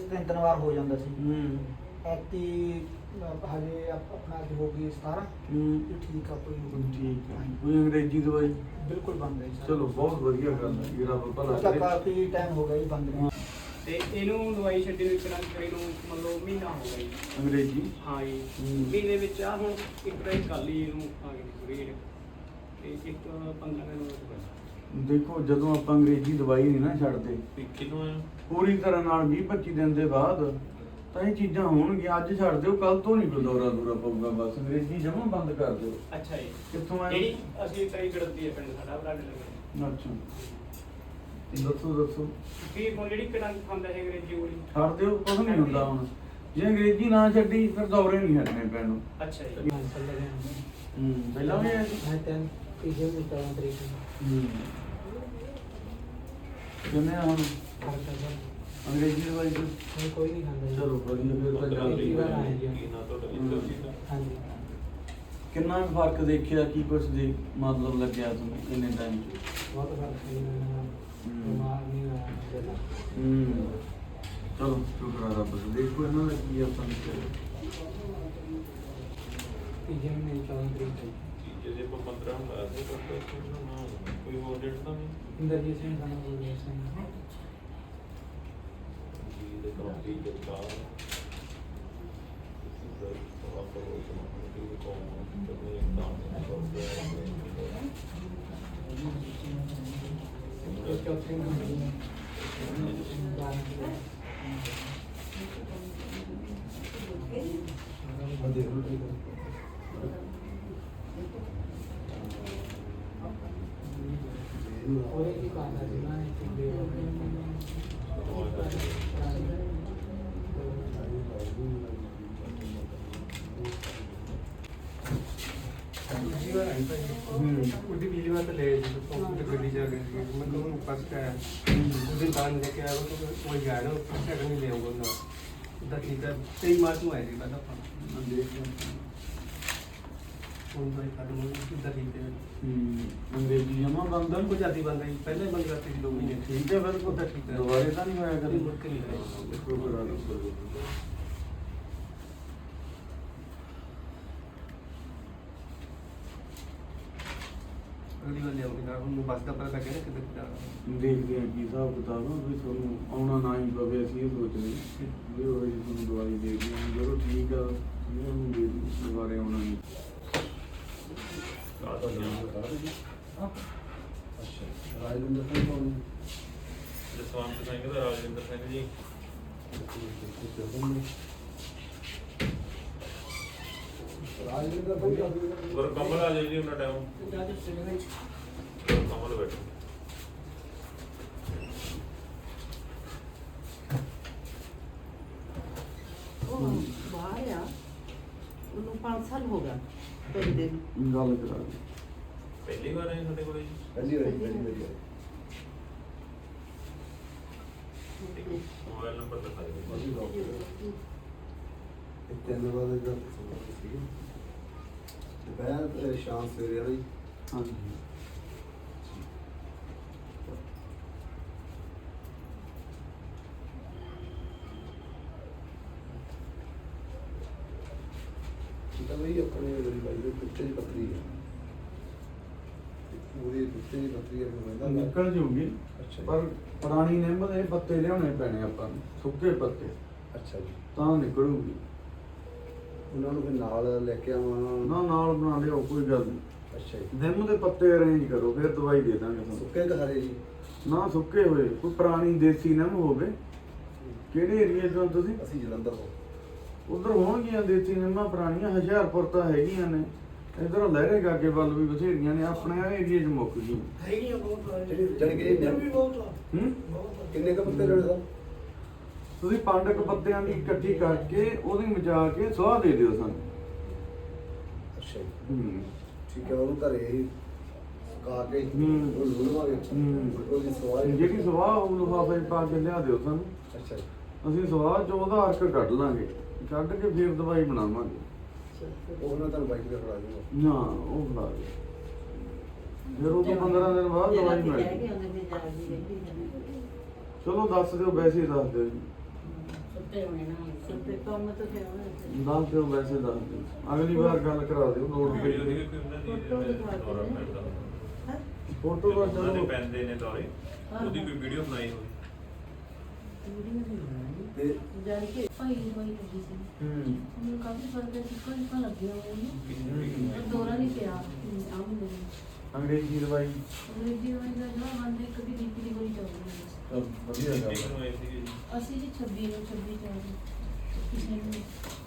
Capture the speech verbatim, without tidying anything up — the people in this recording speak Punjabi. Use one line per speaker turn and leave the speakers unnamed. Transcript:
ਤਿੰਨ ਤਿੰਨ ਵਾਰ ਹੋ ਜਾਂਦਾ ਸੀ।
ਹੂੰ
ਐਤੀ ਹਜੇ ਆਪ- ਆਪਣਾ ਅੱਜ ਹੋ ਗਈ ਸਤਾਰਾਂ।
ਹੂੰ
ਇਹ ਠੀਕ ਆ, ਕੋਈ ਨਹੀਂ।
ਠੀਕ ਹੈ। ਕੋਈ ਅੰਗਰੇਜ਼ੀ ਦਵਾਈ?
ਬਿਲਕੁਲ ਬੰਦ ਹੈ ਸਰ।
ਚਲੋ ਬਹੁਤ ਵਧੀਆ ਗੱਲ ਹੈ ਜੀ, ਰੱਬ ਭਲਾ
ਉਹ ਤਾਂ
ਕਰੇ।
ਕਾਫੀ ਟਾਈਮ ਹੋ ਗਿਆ ਜੀ ਬੰਦ ਨੂੰ।
ਤੇ ਇਹਨੂੰ ਦਵਾਈ ਛੱਡੀ ਨੂੰ ਇੱਕ ਰੰਗ ਕਰੀ ਨੂੰ ਮਤਲਬ ਮਹੀਨਾ ਹੋ ਗਿਆ ਜੀ।
ਅੰਗਰੇਜ਼ੀ?
ਹਾਂ ਜੀ।
ਹੂੰ।
ਮਹੀਨੇ ਵਿੱਚ ਆ ਹੁਣ ਇੱਕ ਵਾਰੀ ਕੱਲ ਹੀ ਇਹਨੂੰ ਆ ਗਈ ਪੂਰੀ ਜਿਹੜੀ ਤੇ ਇੱਕ ਪੰਦਰਾਂ ਦਿਨ ਹੋ ਗਏ।
ਦੇਖੋ ਜਦੋਂ ਆਪਾਂ ਅੰਗਰੇਜ਼ੀ ਦਵਾਈ ਨਹੀਂ ਨਾ ਛੱਡਦੇ
ਕਿਦੋਂ ਆ
ਪੂਰੀ ਤਰ੍ਹਾਂ ਨਾਲ ਵੀਹ ਪੱਚੀ ਦਿਨ ਦੇ ਬਾਅਦ ਤਾਂ ਇਹ ਚੀਜ਼ਾਂ ਹੋਣਗੀਆਂ। ਅੱਜ ਛੱਡ ਦਿਓ, ਕੱਲ ਤੋਂ ਨਹੀਂ ਕੋਈ ਦੌਰਾ ਦੂਰਾ ਪਊਗਾ। ਬਸ ਅੰਗਰੇਜ਼ੀ ਜਮਾਂ ਬੰਦ ਕਰ ਦਿਓ।
ਅੱਛਾ ਜੀ।
ਕਿੱਥੋਂ ਆਏ?
ਜਿਹੜੀ ਅਸੀਂ ਤਰੀ ਗੜਦੀ ਹੈ ਪਿੰਡ ਸਾਡਾ ਬਲੱਡ ਲੱਗੇ।
ਅੱਛਾ ਦੱਸੋ ਦੱਸੋ।
ਫਿਰ ਹੁਣ ਜਿਹੜੀ ਕੜੰਗ ਖਾਂਦਾ ਹੈ ਅੰਗਰੇਜ਼ੀ ਗੋਲੀ।
ਛੱਡ ਦਿਓ, ਕੁਝ ਨਹੀਂ ਹੁੰਦਾ ਹੁਣ। ਜੇ ਅੰਗਰੇਜ਼ੀ ਨਾ ਛੱਡੀ ਫਿਰ ਦੌਰੇ ਨਹੀਂ ਹਟਣੇ ਪੈਣ ਨੂੰ।
ਅੱਛਾ ਜੀ।
ਹਾਂ ਚੱਲ ਰਿਹਾ
ਹੂੰ ਪਹਿਲਾਂ ਵੀ ਆਇਆ ਸੀ?
ਮੈਂ ਤਿੰਨ ਤੀਜੇ ਨੂੰ ਚੌਦਾਂ ਤਰੀਕ ਨੂੰ
ਹੂੰ ਕਿੰਨੇ ਆ ਹੁਣ
ਖਰਚਾ ਸਰ।
ਅੰਗਰੇਜ਼ੀ ਦਵਾਈ ਤੇ?
ਹੁਣ ਕੋਈ ਨਹੀਂ ਖਾਂਦਾ ਜੀ।
ਚਲੋ ਵਧੀਆ, ਫਿਰ ਤਾਂ
ਇੱਕ ਹੀ ਵਾਰ ਆਇਆ ਜੀ।
ਕੀ ਨਾ ਤੁਹਾਡਾ ਇੰਦਰ ਜੀ ਦਾ
ਹਾਂਜੀ।
ਕਿੰਨਾ ਕੁ ਫਰਕ ਦੇਖਿਆ, ਕੀ ਕੁਛ ਦੇ ਮਤਲਬ ਲੱਗਿਆ ਤੁਹਾਨੂੰ ਕਿੰਨੇ ਟਾਈਮ ਚ?
ਬਹੁਤ ਫਰਕ ਹੈ ਜੀ। ਮੈਂ ਬਿਮਾਰ ਨਹੀਂ ਹੋਇਆ ਪਹਿਲਾਂ।
ਹੂੰ ਚਲੋ ਸ਼ੁਕਰ ਆ ਰੱਬ ਦਾ। ਦੇਖੋ ਇਹਨਾਂ ਦਾ ਕੀ ਆਪਾਂ ਨੂੰ
ਤੀਜੇ ਮਹੀਨੇ ਚੌਦਾਂ ਤਰੀਕ ਨੂੰ।
ਚੀਜ਼ ਜੇ ਆਪਾਂ ਪੰਦਰਾਂ ਹੁੰਦਾ ਸੀ ਤਾਂ ਕੋਈ ਹੋਰ ਡੇਟ ਤਾਂ ਨਹੀਂ
ਇੰਦਰਜੀਤ ਸਿੰਘ ਦਾ ਨਾਮ ਬੋਲਿਆ ਸਿੰਘ।
ਜੀ ਦੇ ਕਾਉਂਟੀ ਦੇ ਕਾ
ਇਹ ਚੌਥੇ ਮਹੀਨੇ ਨੂੰ ਬਾਰਾਂ ਉਹਨੇ ਕੀ ਕਰਨਾ ਸੀ ਨਾ ਇੱਕ ਦੇ
जीवन आई था उदी पिछली बार तो ले जी तो गड्डी जा गई थी मैं कहूँ फर्स्ट का है उस दिन दान लेके आया तो वही गया ना फर्स्ट का नहीं ले आऊँगा ना उधर ठीक है तेईस मार्च में आई थी पता फोन तो एक उधर ठीक है
ਅੰਗਰੇਜ਼ੀ ਜਮਾ ਬੰਦ ਆ?
कुछ आती बंद आई पहले बंद करती थी दो महीने
ਠੀਕ ਹੈ ਬਿਲਕੁਲ।
ਤਾਂ ਠੀਕ ਹੈ।
ਦੁਬਾਰੇ ਤਾਂ ਨਹੀਂ ਹੋਇਆ ਕਦੇ?
मुड़ के नहीं आई
ਸ਼ੁਕਰ ਆ ਰੱਬ ਦਾ।
अगली बार ले आऊँगी ना हम बस का पता लगे ना किधर किधर
ਦੇਖਦੇ ਹਾਂ ਕੀ ਹਿਸਾਬ ਕਿਤਾਬ ਆ, ਵੀ ਤੁਹਾਨੂੰ ਆਉਣਾ ਨਾ ਹੀ ਪਵੇ। ਅਸੀਂ ਇਹ ਸੋਚਦੇ ਵੀ ਉਹ ਜੀ ਤੁਹਾਨੂੰ ਦਵਾਈ ਦੇ ਦਿਓ, ਜਦੋਂ ਠੀਕ ਆ ਇਹਨਾਂ ਨੂੰ ਦੇ ਦਿਓ, ਦੁਬਾਰੇ ਆਉਣਾ ਨਹੀਂ।
ਕਾ ਤਾਂ ਨਾਮ ਬਤਾ ਦੇ ਜੀ
ਅੱਛਾ ਰਾਜਿੰਦਰ ਸਿੰਘ ਕੌਣ?
ਜਸਵੰਤ ਸਿੰਘ ਦਾ ਰਾਜਿੰਦਰ ਸਿੰਘ ਜੀ
ਰਾਜਿੰਦਰ ਸਿੰਘ
ਗੁਰ ਕਮਲ ਆ ਜਾਈ ਜੀ ਉਹਨਾਂ ਟਾਈਮ ਕਮਲ ਬੈਠੋ
ਉਹ ਬਾਹਰ ਆ, ਉਹਨੂੰ ਪੰਜ ਸਾਲ ਹੋ ਗਿਆ ਪੈਂਦੇ ਨੂੰ।
ਗੱਲ ਕਰਾ ਦੇ।
ਪਹਿਲੀ ਵਾਰ ਆਏ ਸਾਡੇ ਕੋਲੇ ਜੀ
ਪਹਿਲੀ ਵਾਰੀ ਪਹਿਲੀ ਵਾਰੀ
ਮੋਬਾਈਲ ਨੰਬਰ ਦਿਖਾ ਦਿਓ
ਤਿੰਨ ਵਜੇ ਦਾ ਸੀ ਦੁਪਹਿਰ ਸ਼ਾਮ ਸਵੇਰੇ ਵਾਲੀ।
ਹਾਂਜੀ
ਤਾਂ ਬਈ ਆਪਣੇ ਮੇਰੀ ਬਾਈ ਦੇ ਪਿੱਛੇ ਦੀ ਪੱਥਰੀ ਹੈ, ਪੂਰੀ ਪਿੱਛੇ ਦੀ ਪੱਥਰੀ ਹੈ ਕਹਿੰਦਾ
ਨਿਕਲ ਜੂਗੀ।
ਅੱਛਾ ਜੀ।
ਪਰ ਪੁਰਾਣੀ ਨਿੰਮ ਦੇ ਪੱਤੇ ਲਿਆਉਣੇ ਪੈਣੇ ਆਪਾਂ ਨੂੰ, ਸੁੱਕੇ ਪੱਤੇ,
ਅੱਛਾ ਜੀ।
ਤਾਂ ਨਿਕਲੂਗੀ।
ਉਹਨਾਂ ਨੂੰ ਫਿਰ ਨਾਲ ਲੈ ਕੇ ਆਵਾਂ?
ਨਾ ਨਾਲ ਬਣਾ ਲਿਓ, ਕੋਈ ਗੱਲ ਨਹੀਂ।
ਅੱਛਾ ਜੀ।
ਨਿੰਮ ਦੇ ਪੱਤੇ ਅਰੇਂਜ ਕਰੋ, ਫਿਰ ਦਵਾਈ ਦੇ ਦਾਂਗੇ ਤੁਹਾਨੂੰ।
ਸੁੱਕੇ ਕਿ ਹਰੇ ਜੀ?
ਨਾ ਸੁੱਕੇ ਹੋਏ, ਕੋਈ ਪੁਰਾਣੀ ਦੇਸੀ ਨਿੰਮ ਹੋਵੇ। ਕਿਹੜੇ ਏਰੀਏ ਤੋਂ ਤੁਸੀਂ?
ਅਸੀਂ ਜਲੰਧਰ ਤੋਂ।
ਉਧਰ ਹੋਣਗੀਆਂ ਦੇਸੀ ਨਿੰਮਾਂ ਪੁਰਾਣੀਆਂ, ਹੁਸ਼ਿਆਰਪੁਰ ਤਾਂ ਹੈਗੀਆਂ ਨੇ, ਇੱਧਰੋਂ ਲਹਿਰੇ ਗਾਗੇ ਵੱਲ ਵੀ ਬਥੇਰੀਆਂ ਨੇ, ਆਪਣੇ ਆ ਏਰੀਏ 'ਚ ਮੁੱਕ ਗਈਆਂ।
ਹੈਗੀਆਂ ਬਹੁਤ
ਜਿਹੜੀ ਜਾਣੀ ਕਿ
ਨਿੰਮ ਵੀ ਬਹੁਤ ਆ।
ਹੂੰ
ਬਹੁਤ
ਕਿੰਨੇ ਕੁ ਪੱਤੇ ਲੈਣੇ ਸਰ?
ਤੁਸੀਂ ਪੰਜ ਕੁ ਪੱਤਿਆਂ ਦੀ ਇਕੱਠੀ ਕਰਕੇ ਉਹਦੀ ਮਚਾ ਕੇ ਸੁਆਹ ਦੇ ਦਿਓ ਸਾਨੂੰ।
ਅੱਛਾ ਜੀ।
ਹੂੰ
ਠੀਕ ਹੈ, ਉਹਨੂੰ ਘਰੇ ਹੀ ਸੁਕਾ ਕੇ
ਹੂੰ।
ਉਹ ਲੂਣਵਾਂਗੇ।
ਹੂੰ।
ਉਹਦੀ ਸਵਾਈ
ਜਿਹੜੀ ਸੁਆਹ ਉਹ ਲਿਫਾਫੇ 'ਚ ਪਾ ਕੇ ਲਿਆ ਦਿਓ ਸਾਨੂੰ।
ਅੱਛਾ ਜੀ।
ਅਸੀਂ ਸਵਾਹ 'ਚ ਉਹਦਾ ਅਰਕ ਕੱਢ ਲਾਂਗੇ, ਕੱਢ ਕੇ ਫਿਰ ਦਵਾਈ ਬਣਾਵਾਂਗੇ।
ਉਹ ਮੈਂ ਤੁਹਾਨੂੰ ਬਾਈਕ ਤੇ ਫੜਾ ਦੂੰਗਾ।
ਨਾ ਉਹ ਬਣਾ ਦੇ, ਫਿਰ ਉਹ ਤੋਂ ਪੰਦਰਾਂ ਦਿਨ ਬਾਅਦ ਦਵਾਈ ਮਿਲ
ਰਹਿ
ਜਾਊ।
ਗਏ ਉਹਦੇ ਤੇ ਜਾ ਵੀ ਰਹਿੰਦੀ ਹੈ।
ਚਲੋ ਦੱਸ ਦਿਓ, ਵੈਸੇ ਹੀ ਦੱਸ ਦਿਓ ਜੀ।
ਸੁੱਤੇ ਹੋਣੇ ਨਾ
ਸੁੱਤੇ ਕੰਮ ਤਾਂ ਫਿਰ ਉਹਨੇ
ਦੱਸ ਦਿਓ, ਵੈਸੇ ਦੱਸ ਦਿਓ, ਅਗਲੀ ਵਾਰ ਗੱਲ ਕਰਾ ਦਿਓ ਨੋਟ
ਵੀਡੀਓ
ਕਰੀ
ਦੀ ਕੋਈ ਉਹਨਾਂ ਦੀ
ਫੋਟੋ ਦਿਖਾ
ਦੌਰਾ
ਦਿੰਦੇ
ਪੈਂਦਾ
ਹੈਂ?
ਫੋਟੋ ਦਾ
ਉਹਨਾਂ ਦੇ
ਚਲੋ
ਪੈਂਦੇ ਨੇ ਦੌਰੇ ਉਹਦੀ ਕੋਈ ਵੀਡੀਓ ਬਣਾਈ ਹੋਵੇ
ਵੀਡੀਓ ਨਹੀਂ ਬਣਾਈ
ਤੇ
ਜਾਣ ਕੇ
ਭਾਈ ਦੀ ਦਵਾਈ ਲੱਗੀ ਸੀ
ਹੂੰ
ਮੈਨੂੰ ਕਾਫੀ ਫਰਕ ਹੈ ਚਿੱਕਾ ਚਿੱਕਾ ਲੱਗਿਆ ਮੈਨੂੰ
ਕਿੰਨੀ
ਪਰ ਦੌਰਾ ਨਹੀਂ ਪਿਆ ਆਮ ਦੇ
ਅੰਗਰੇਜ਼ੀ ਦਵਾਈ
ਅੰਗਰੇਜ਼ੀ ਦਵਾਈ ਦਾ ਜਿਹੜਾ ਬੰਦ ਇੱਕ ਦੀ ਬੀਪੀ ਦੀ ਗੋਲੀ ਚੱਲ ਰਹੀ ਹੈ
ਚਲ ਵਧੀਆ ਗੱਲ
ਕਿੰਨੀ
ਆ।
ਨੂੰ ਆਈ ਸੀ
ਅਸੀਂ ਜੀ ਛੱਬੀ ਨੂੰ ਛੱਬੀ ਚਾਰ ਕਿਸੇ ਨੂੰ